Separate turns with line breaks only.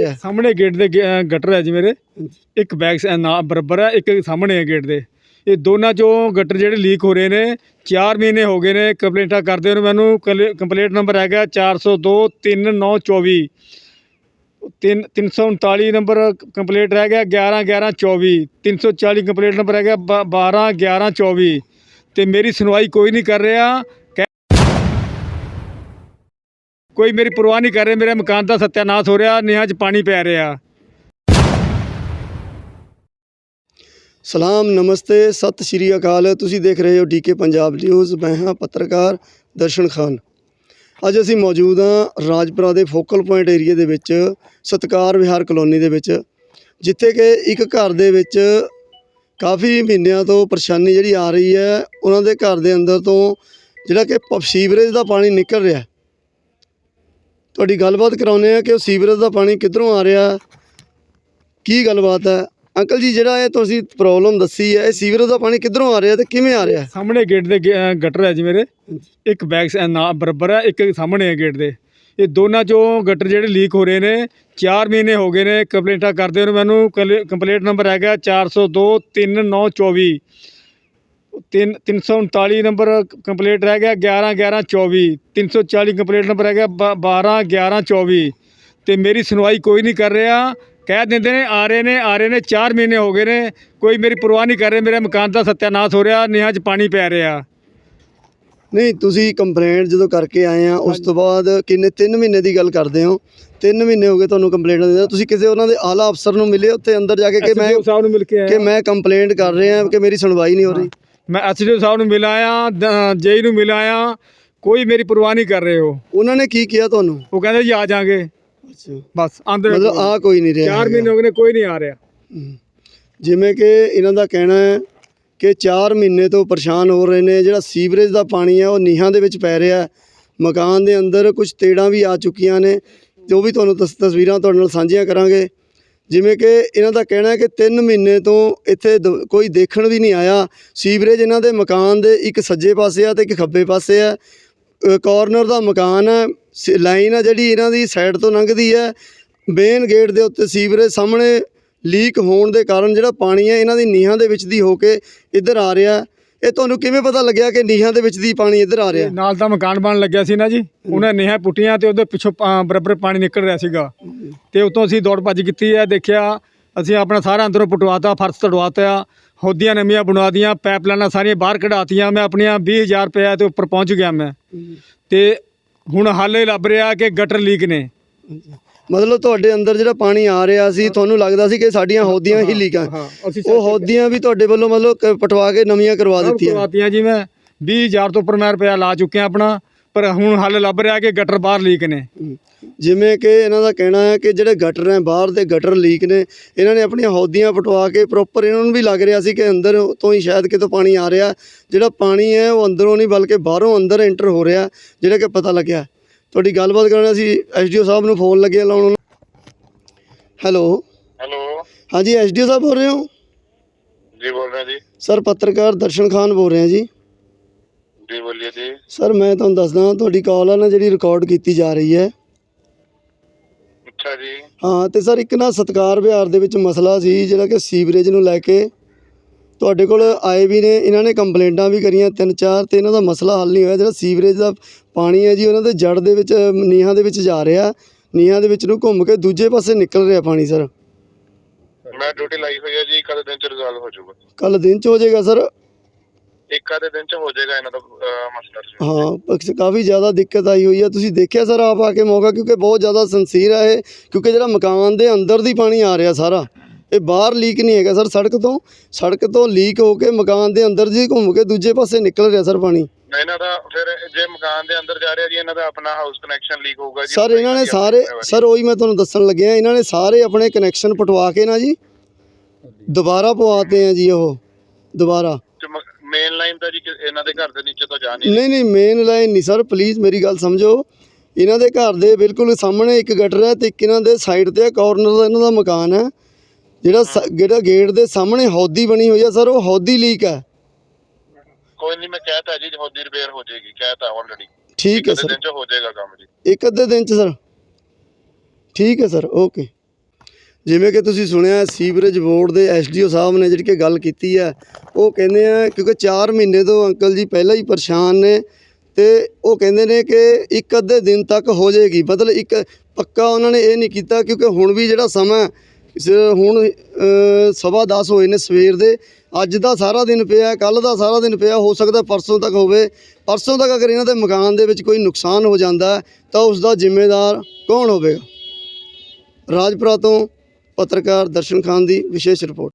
ਰਿਹਾ?
ਸਾਹਮਣੇ ਗੇਟ ਦੇ ਗਟਰ ਹੈ ਜੀ ਮੇਰੇ, ਇੱਕ ਬੈਕ ਨਾ ਬਰਾਬਰ ਹੈ, ਇੱਕ ਸਾਹਮਣੇ ਹੈ ਗੇਟ ਦੇ। ਇਹ ਦੋਨਾਂ ਚੋਂ ਗਟਰ ਜਿਹੜੇ ਲੀਕ ਹੋ ਰਹੇ ਨੇ। 4 ਮਹੀਨੇ ਹੋ ਗਏ ਨੇ ਕੰਪਲੇਂਟਾਂ ਕਰਦੇ ਨੂੰ ਮੈਨੂੰ। ਕੰਪਲੇਂਟ ਨੰਬਰ ਹੈਗਾ 402 3924, 339 ਨੰਬਰ ਕੰਪਲੇਂਟ ਰਹਿ ਗਿਆ 11 11 24, 340 ਕੰਪਲੇਂਟ ਨੰਬਰ ਹੈਗਾ 12 11 24। ਤੇ ਮੇਰੀ ਸੁਣਵਾਈ ਕੋਈ ਨਹੀਂ ਕਰ ਰਿਹਾ, ਕੋਈ ਮੇਰੀ ਪਰਵਾਹ ਨਹੀਂ ਕਰ ਰਿਹਾ। ਮੇਰੇ ਮਕਾਨ ਦਾ ਸੱਤਿਆਨਾਸ਼ ਹੋ ਰਿਹਾ, ਨੀਹਾਂ 'ਚ ਪਾਣੀ ਪੈ ਰਿਹਾ।
ਸਲਾਮ, ਨਮਸਤੇ, ਸਤਿ ਸ਼੍ਰੀ ਅਕਾਲ। ਤੁਸੀਂ ਦੇਖ ਰਹੇ ਹੋ DK ਪੰਜਾਬ ਨਿਊਜ਼। ਮੈਂ ਹਾਂ ਪੱਤਰਕਾਰ ਦਰਸ਼ਨ ਖਾਨ। ਅੱਜ ਅਸੀਂ ਮੌਜੂਦ ਹਾਂ ਰਾਜਪੁਰਾ ਦੇ ਫੋਕਲ ਪੁਆਇੰਟ ਏਰੀਏ ਦੇ ਵਿੱਚ, ਸਤਕਾਰ ਵਿਹਾਰ ਕਲੋਨੀ ਦੇ ਵਿੱਚ, ਜਿੱਥੇ ਕਿ ਇੱਕ ਘਰ ਦੇ ਵਿੱਚ ਕਾਫੀ ਮਹੀਨਿਆਂ ਤੋਂ ਪਰੇਸ਼ਾਨੀ ਜਿਹੜੀ ਆ ਰਹੀ ਹੈ। ਉਹਨਾਂ ਦੇ ਘਰ ਦੇ ਅੰਦਰ ਤੋਂ ਜਿਹੜਾ ਕਿ ਸੀਵਰੇਜ ਦਾ ਪਾਣੀ ਨਿਕਲ ਰਿਹਾ। ਤੁਹਾਡੀ ਗੱਲਬਾਤ ਕਰਾਉਂਦੇ ਹਾਂ ਕਿ ਉਹ ਸੀਵਰੇਜ ਦਾ ਪਾਣੀ ਕਿੱਧਰੋਂ ਆ ਰਿਹਾ, ਕੀ ਗੱਲਬਾਤ ਹੈ। ਅੰਕਲ ਜੀ, ਜਿਹੜਾ ਇਹ ਤੁਸੀਂ ਪ੍ਰੋਬਲਮ ਦੱਸੀ ਹੈ, ਇਹ ਸੀਵਰੇਜ ਦਾ ਪਾਣੀ ਕਿੱਧਰੋਂ ਆ ਰਿਹਾ ਤੇ ਕਿਵੇਂ ਆ ਰਿਹਾ?
ਸਾਹਮਣੇ ਗੇਟ ਦੇ ਗਟਰ ਹੈ ਜੀ ਮੇਰੇ, ਇੱਕ ਬੈਕ ਨਾ ਬਰਾਬਰ ਹੈ, ਇੱਕ ਸਾਹਮਣੇ ਹੈ ਗੇਟ ਦੇ। ਇਹ ਦੋਨਾਂ ਚੋਂ ਗਟਰ ਜਿਹੜੇ ਲੀਕ ਹੋ ਰਹੇ ਨੇ। 4 ਮਹੀਨੇ ਹੋ ਗਏ ਨੇ ਕੰਪਲੇਂਟਾਂ ਕਰਦੇ ਨੂੰ ਮੈਨੂੰ। ਕੰਪਲੇਂਟ ਨੰਬਰ ਹੈਗਾ 402 3924, 339 ਨੰਬਰ ਕੰਪਲੇਂਟ ਰਹਿ ਗਿਆ 11 11 24, 340 ਕੰਪਲੇਂਟ ਨੰਬਰ ਹੈਗਾ 12 11 24। ਤੇ ਮੇਰੀ ਸੁਣਵਾਈ ਕੋਈ ਨਹੀਂ ਕਰ ਰਿਹਾ। ਕਹਿ ਦਿੰਦੇ ਨੇ ਆ ਰਹੇ ਨੇ 4 ਮਹੀਨੇ ਹੋ ਗਏ ਨੇ, ਕੋਈ ਮੇਰੀ ਪਰਵਾਹ ਨਹੀਂ ਕਰ ਰਿਹਾ। ਮੇਰੇ ਮਕਾਨ ਦਾ ਸੱਤਿਆਨਾਸ਼ ਹੋ ਰਿਹਾ, ਨੀਹਾਂ 'ਚ ਪਾਣੀ ਪੈ ਰਿਹਾ।
ਨਹੀਂ, ਤੁਸੀਂ ਕੰਪਲੇਂਟ ਜਦੋਂ ਕਰਕੇ ਆਏ ਆ ਉਸ ਤੋਂ ਬਾਅਦ ਕਿੰਨੇ 3 ਮਹੀਨੇ ਦੀ ਗੱਲ ਕਰਦੇ ਹੋ? 3 ਮਹੀਨੇ ਹੋ ਗਏ ਤੁਹਾਨੂੰ ਕੰਪਲੇਂਟ ਦਿੰਦੇ। ਤੁਸੀਂ ਕਿਸੇ ਉਹਨਾਂ ਦੇ ਆਲਾ ਅਫਸਰ ਨੂੰ ਮਿਲੇ ਉੱਥੇ ਅੰਦਰ ਜਾ ਕੇ ਕਿ ਮੈਂ
ਸਾਹਿਬ ਨੂੰ ਮਿਲ ਕੇ ਆਇਆ
ਕਿ ਮੈਂ ਕੰਪਲੇਂਟ ਕਰ ਰਿਹਾ ਕਿ ਮੇਰੀ ਸੁਣਵਾਈ ਨਹੀਂ ਹੋ ਰਹੀ?
ਮੈਂ SDO ਸਾਹਿਬ ਨੂੰ ਮਿਲ ਆਇਆ, JE ਨੂੰ ਮਿਲ ਆਇਆ, ਕੋਈ ਮੇਰੀ ਪਰਵਾਹ ਨਹੀਂ ਕਰ ਰਹੇ।
ਉਹਨਾਂ ਨੇ ਕੀ ਕਿਹਾ ਤੁਹਾਨੂੰ?
ਉਹ ਕਹਿੰਦੇ ਜੀ ਆ ਜਾਾਂਗੇ।
ਅੱਛਾ,
ਬਸ ਆਂਦੇ
ਮਤਲਬ ਆ ਕੋਈ ਨਹੀਂ ਰਿਹਾ।
4 ਮਹੀਨੇ ਹੋ ਗਏ ਨੇ, ਕੋਈ ਨਹੀਂ ਆ ਰਿਹਾ।
ਜਿਵੇਂ ਕਿ ਇਹਨਾਂ ਦਾ ਕਹਿਣਾ ਹੈ ਕਿ 4 ਮਹੀਨੇ ਤੋਂ ਪਰੇਸ਼ਾਨ ਹੋ ਰਹੇ ਨੇ। ਜਿਹੜਾ ਸੀਵਰੇਜ ਦਾ ਪਾਣੀ ਹੈ ਉਹ ਨੀਹਾਂ ਦੇ ਵਿੱਚ ਪੈ ਰਿਹਾ। ਮਕਾਨ ਦੇ ਅੰਦਰ ਕੁਝ ਤੇੜਾਂ ਵੀ ਆ ਚੁੱਕੀਆਂ ਨੇ, ਤੇ ਉਹ ਵੀ ਤੁਹਾਨੂੰ ਤਸਵੀਰਾਂ ਤੁਹਾਡੇ ਨਾਲ ਸਾਂਝੀਆਂ ਕਰਾਂਗੇ। ਜਿਵੇਂ ਕਿ ਇਹਨਾਂ ਦਾ ਕਹਿਣਾ ਹੈ ਕਿ 3 ਮਹੀਨੇ ਤੋਂ ਇੱਥੇ ਕੋਈ ਦੇਖਣ ਵੀ ਨਹੀਂ ਆਇਆ। ਸੀਵਰੇਜ ਇਹਨਾਂ ਦੇ ਮਕਾਨ ਦੇ ਇੱਕ ਸੱਜੇ ਪਾਸੇ ਆ ਤੇ ਇੱਕ ਖੱਬੇ ਪਾਸੇ ਆ। ਕਾਰਨਰ ਦਾ ਮਕਾਨ ਹੈ, ਲਾਈਨ ਆ ਜਿਹੜੀ ਇਹਨਾਂ ਦੀ ਸਾਈਡ ਤੋਂ ਲੰਘਦੀ ਹੈ। ਮੇਨ ਗੇਟ ਦੇ ਉੱਤੇ ਸੀਵਰੇਜ ਸਾਹਮਣੇ ਲੀਕ ਹੋਣ ਦੇ ਕਾਰਨ ਜਿਹੜਾ ਪਾਣੀ ਹੈ ਇਹਨਾਂ ਦੀ ਨੀਹਾਂ ਦੇ ਵਿੱਚ ਦੀ ਹੋ ਕੇ ਇੱਧਰ ਆ ਰਿਹਾ। ਇਹ ਤੁਹਾਨੂੰ ਕਿਵੇਂ ਪਤਾ ਲੱਗਿਆ ਕਿ ਨੀਹਾਂ ਦੇ ਵਿੱਚ ਦੀ ਪਾਣੀ ਇੱਧਰ ਆ ਰਿਹਾ?
ਨਾਲ ਤਾਂ ਮਕਾਨ ਬਣ ਲੱਗਿਆ ਸੀ ਨਾ ਜੀ, ਉਹਨਾਂ ਨੀਹਾਂ ਪੁੱਟੀਆਂ ਤੇ ਉਹਦੇ ਪਿੱਛੋਂ ਬਰਾਬਰ ਪਾਣੀ ਨਿਕਲ ਰਿਹਾ ਸੀਗਾ। ਤੇ ਉਤੋਂ ਅਸੀਂ ਦੌੜ ਭੱਜ ਕੀਤੀ ਹੈ, ਦੇਖਿਆ। ਅਸੀਂ ਆਪਣਾ ਸਾਰਾ ਅੰਦਰੋਂ ਪਟਵਾਤਾ, ਫਰਸ਼ ਤੜਵਾਤਾ, ਹੋਦੀਆਂ ਨਵੀਆਂ ਬਣਾ ਦੀਆਂ, ਪਾਈਪਲਾਈਨਾਂ ਸਾਰੀਆਂ ਬਾਹਰ ਕਢਾਤੀਆਂ। ਮੈਂ ਆਪਣੀਆਂ 20,000 ਰੁਪਏ ਤੇ ਉੱਪਰ ਪਹੁੰਚ ਗਿਆ ਮੈਂ। ਤੇ ਹੁਣ ਹਾਲੇ ਲੱਭ ਰਿਹਾ ਕਿ ਗਟਰ ਲੀਕ ਨੇ।
ਮਤਲਬ ਤੁਹਾਡੇ ਅੰਦਰ ਜਿਹੜਾ ਪਾਣੀ ਆ ਰਿਹਾ ਸੀ, ਤੁਹਾਨੂੰ ਲੱਗਦਾ ਸੀ ਕਿ ਸਾਡੀਆਂ ਹੋਦੀਆਂ ਹੀ ਲੀਕ ਆ। ਉਹ ਹੋਦੀਆਂ ਵੀ ਤੁਹਾਡੇ ਵੱਲੋਂ ਮਤਲਬ ਪਟਵਾ ਕੇ ਨਵੀਆਂ ਕਰਵਾ ਦਿੱਤੀਆਂ
ਜੀ। ਮੈਂ 20,000 ਤੋਂ ਉੱਪਰ ਮੈਂ ਰੁਪਇਆ ਲਾ ਚੁੱਕਿਆ ਆਪਣਾ, ਪਰ ਹੁਣ ਹੱਲ ਲੱਭ ਰਿਹਾ ਕਿ ਗਟਰ ਬਾਹਰ ਲੀਕ ਨੇ।
ਜਿਵੇਂ ਕਿ ਇਹਨਾਂ ਦਾ ਕਹਿਣਾ ਹੈ ਕਿ ਜਿਹੜੇ ਗਟਰ ਹੈ ਬਾਹਰ ਦੇ ਗਟਰ ਲੀਕ ਨੇ। ਇਹਨਾਂ ਨੇ ਆਪਣੀਆਂ ਹੋਦੀਆਂ ਪਟਵਾ ਕੇ ਪ੍ਰੋਪਰ, ਇਹਨਾਂ ਨੂੰ ਵੀ ਲੱਗ ਰਿਹਾ ਸੀ ਕਿ ਅੰਦਰ ਤੋਂ ਹੀ ਸ਼ਾਇਦ ਕਿਤੋਂ ਪਾਣੀ ਆ ਰਿਹਾ। ਜਿਹੜਾ ਪਾਣੀ ਹੈ ਉਹ ਅੰਦਰੋਂ ਨਹੀਂ ਬਲਕਿ ਬਾਹਰੋਂ ਅੰਦਰ ਐਂਟਰ ਹੋ ਰਿਹਾ, ਜਿਹੜਾ ਕਿ ਪਤਾ ਲੱਗਿਆ। ਤੁਹਾਡੀ ਗੱਲਬਾਤ ਕਰਾਉਣਾ ਸੀ। SDO ਸਾਹਿਬ ਨੂੰ ਫੋਨ ਲੱਗੇ ਲਾਉਣ। ਹੈਲੋ ਹਾਂਜੀ, SDO ਸਾਹਿਬ ਬੋਲ ਰਹੇ ਹੋ?
ਜੀ ਬੋਲ ਰਿਹਾ ਜੀ।
ਸਰ, ਪੱਤਰਕਾਰ ਦਰਸ਼ਨ ਖਾਨ ਬੋਲ ਰਹੇ ਜੀ।
ਜੀ ਬੋਲੀਏ ਜੀ।
ਸਰ, ਮੈਂ ਤੁਹਾਨੂੰ ਦੱਸਦਾ, ਤੁਹਾਡੀ ਕਾਲ ਆ ਨਾ ਜਿਹੜੀ ਰਿਕਾਰਡ ਕੀਤੀ ਜਾ ਰਹੀ ਹੈ।
ਅੱਛਾ ਜੀ।
ਹਾਂ, ਤੇ ਸਰ ਇੱਕ ਨਾ ਸਤਕਾਰ ਵਿਹਾਰ ਦੇ ਵਿੱਚ ਮਸਲਾ ਸੀ ਜਿਹੜਾ ਕਿ ਸੀਵਰੇਜ ਨੂੰ ਲੈ ਕੇ ਤੁਹਾਡੇ ਕੋਲ ਆਏ ਵੀ ਨੇ। ਇਹਨਾਂ ਨੇ ਕੰਪਲੇਂਟਾਂ ਵੀ ਕਰੀਆਂ 3-4, ਤੇ ਇਹਨਾਂ ਦਾ ਮਸਲਾ ਹੱਲ ਨਹੀਂ ਹੋਇਆ। ਜਿਹੜਾ ਸੀਵਰੇਜ ਦਾ ਪਾਣੀ ਹੈ ਜੀ, ਉਹਨਾਂ ਦੇ ਜੜ ਦੇ ਵਿੱਚ ਨੀਹਾਂ ਦੇ ਵਿੱਚ ਜਾ ਰਿਹਾ। ਨੀਹਾਂ ਦੇ ਵਿੱਚ ਨੂੰ ਘੁੰਮ ਕੇ ਦੂਜੇ ਪਾਸੇ ਨਿਕਲ ਰਿਹਾ ਪਾਣੀ। ਸਰ,
ਮੈਂ ਡਿਊਟੀ ਲਾਈ ਹੋਈ ਹੈ ਜੀ, ਇੱਕ ਅੱਧੇ ਦਿਨ ਚ ਰਿਜ਼ੋਲਵ ਹੋ ਜਾਊਗਾ।
ਕੱਲ ਦਿਨ ਚ ਹੋ ਜਾਏਗਾ ਸਰ?
ਇੱਕ ਅੱਧੇ ਦਿਨ ਚ ਹੋ ਜਾਏਗਾ ਇਹਨਾਂ ਦਾ ਮਸਲਾ।
ਹਾਂ, ਕਾਫੀ ਜ਼ਿਆਦਾ ਦਿੱਕਤ ਆਈ ਹੋਈ ਹੈ। ਤੁਸੀਂ ਦੇਖਿਆ ਸਰ ਆਪ ਆ ਕੇ ਮੌਕਾ, ਕਿਉਂਕਿ ਬਹੁਤ ਜ਼ਿਆਦਾ ਸਿੰਸੀਅਰ ਹੈ ਇਹ। ਕਿਉਂਕਿ ਜਿਹੜਾ ਮਕਾਨ ਦੇ ਅੰਦਰ ਦੀ ਪਾਣੀ ਆ ਰਿਹਾ ਸਾਰਾ, ਇਹ ਬਾਹਰ ਲੀਕ ਨਹੀਂ ਹੈਗਾ ਸਰ। ਸੜਕ ਤੋਂ ਲੀਕ ਹੋ ਕੇ ਮਕਾਨ ਦੇ ਅੰਦਰ ਜੀ ਘੁੰਮ ਕੇ ਦੂਜੇ ਪਾਸੇ ਨਿਕਲ ਰਿਹਾ ਸਰ ਪਾਣੀ।
ਇਹਨਾਂ ਦਾ ਫਿਰ ਜੇ ਮਕਾਨ ਦੇ ਅੰਦਰ ਜਾ ਰਿਹਾ ਜੀ, ਇਹਨਾਂ ਦਾ ਆਪਣਾ ਹਾਊਸ ਕਨੈਕਸ਼ਨ ਲੀਕ ਹੋਊਗਾ ਜੀ।
ਸਰ, ਇਹਨਾਂ ਨੇ ਸਾਰੇ, ਸਰ ਉਹੀ ਮੈਂ ਤੁਹਾਨੂੰ ਦੱਸਣ ਲੱਗਿਆ, ਇਹਨਾਂ ਨੇ ਸਾਰੇ ਆਪਣੇ ਕਨੈਕਸ਼ਨ ਪਟਵਾ ਕੇ ਨਾ ਜੀ ਦੁਬਾਰਾ ਪਵਾਤੇ ਆ ਜੀ। ਉਹ ਦੁਬਾਰਾ
ਮੇਨ ਲਾਈਨ ਤਾਂ ਜੀ ਇਹਨਾਂ ਦੇ ਘਰ ਦੇ ਨੀਚੇ ਤਾਂ ਜਾ ਨਹੀਂ।
ਨਹੀਂ, ਮੇਨ ਲਾਈਨ ਨਹੀਂ ਸਰ, ਪਲੀਜ਼ ਮੇਰੀ ਗੱਲ ਸਮਝੋ। ਇਹਨਾਂ ਦੇ ਘਰ ਦੇ ਬਿਲਕੁਲ ਸਾਹਮਣੇ ਇੱਕ ਗਟਰ ਹੈ ਤੇ ਇੱਕ ਇਹਨਾਂ ਦੇ ਸਾਈਡ ਤੇ ਕਾਰਨਰ ਦਾ ਇਹਨਾਂ ਦਾ ਮਕਾਨ ਹੈ। ਜਿਹੜਾ ਗੇਟ ਦੇ ਸਾਹਮਣੇ ਹੌਦੀ ਬਣੀ ਹੋਈ ਹੈ ਸਰ, ਉਹ ਹੌਦੀ ਲੀਕ ਹੈ।
ਕੋਈ ਨਹੀਂ, ਮੈਂ ਕਹਿਤਾ ਜੀ ਹੌਦੀ ਰਿਪੇਅਰ ਹੋ ਜਾਏਗੀ, ਕਹਿਤਾ ਆਲਰੇਡੀ।
ਠੀਕ ਹੈ ਸਰ,
ਦਿਨ ਚ ਹੋ ਜਾਏਗਾ ਕੰਮ ਜੀ।
ਇੱਕ ਅੱਧੇ ਦਿਨ ਚ ਸਰ। ਠੀਕ ਹੈ ਸਰ, ਓਕੇ। ਜਿਵੇਂ ਕਿ ਤੁਸੀਂ ਸੁਣਿਆ ਸੀਵਰੇਜ ਬੋਰਡ ਦੇ ਐਸਡੀਓ ਸਾਹਿਬ ਨੇ ਜਿਹੜੀ ਕਿ ਗੱਲ ਕੀਤੀ ਹੈ, ਉਹ ਕਹਿੰਦੇ ਆ ਕਿਉਂਕਿ 4 ਮਹੀਨੇ ਤੋਂ ਅੰਕਲ ਜੀ ਪਹਿਲਾਂ ਹੀ ਪਰੇਸ਼ਾਨ ਨੇ ਤੇ ਉਹ ਕਹਿੰਦੇ ਨੇ ਕਿ ਇੱਕ ਅੱਧੇ ਦਿਨ ਤੱਕ ਹੋ ਜਾਏਗੀ। ਮਤਲਬ ਇੱਕ ਪੱਕਾ ਉਹਨਾਂ ਨੇ ਇਹ ਨਹੀਂ ਕੀਤਾ ਕਿਉਂਕਿ ਹੁਣ ਵੀ ਜਿਹੜਾ ਸਮਾਂ ਹੁਣ 10:15 ਹੋਏ ਨੇ ਸਵੇਰ ਦੇ, ਅੱਜ ਦਾ ਸਾਰਾ ਦਿਨ ਪਿਆ, ਕੱਲ੍ਹ ਦਾ ਸਾਰਾ ਦਿਨ ਪਿਆ, ਹੋ ਸਕਦਾ ਪਰਸੋਂ ਤੱਕ ਹੋਵੇ। ਪਰਸੋਂ ਤੱਕ ਅਗਰ ਇਹਨਾਂ ਦੇ ਮਕਾਨ ਦੇ ਵਿੱਚ ਕੋਈ ਨੁਕਸਾਨ ਹੋ ਜਾਂਦਾ ਤਾਂ ਉਸ ਦਾ ਜ਼ਿੰਮੇਦਾਰ ਕੌਣ ਹੋਵੇਗਾ? ਰਾਜਪੁਰਾ ਤੋਂ ਪੱਤਰਕਾਰ ਦਰਸ਼ਨ ਖਾਨ ਦੀ ਵਿਸ਼ੇਸ਼ ਰਿਪੋਰਟ।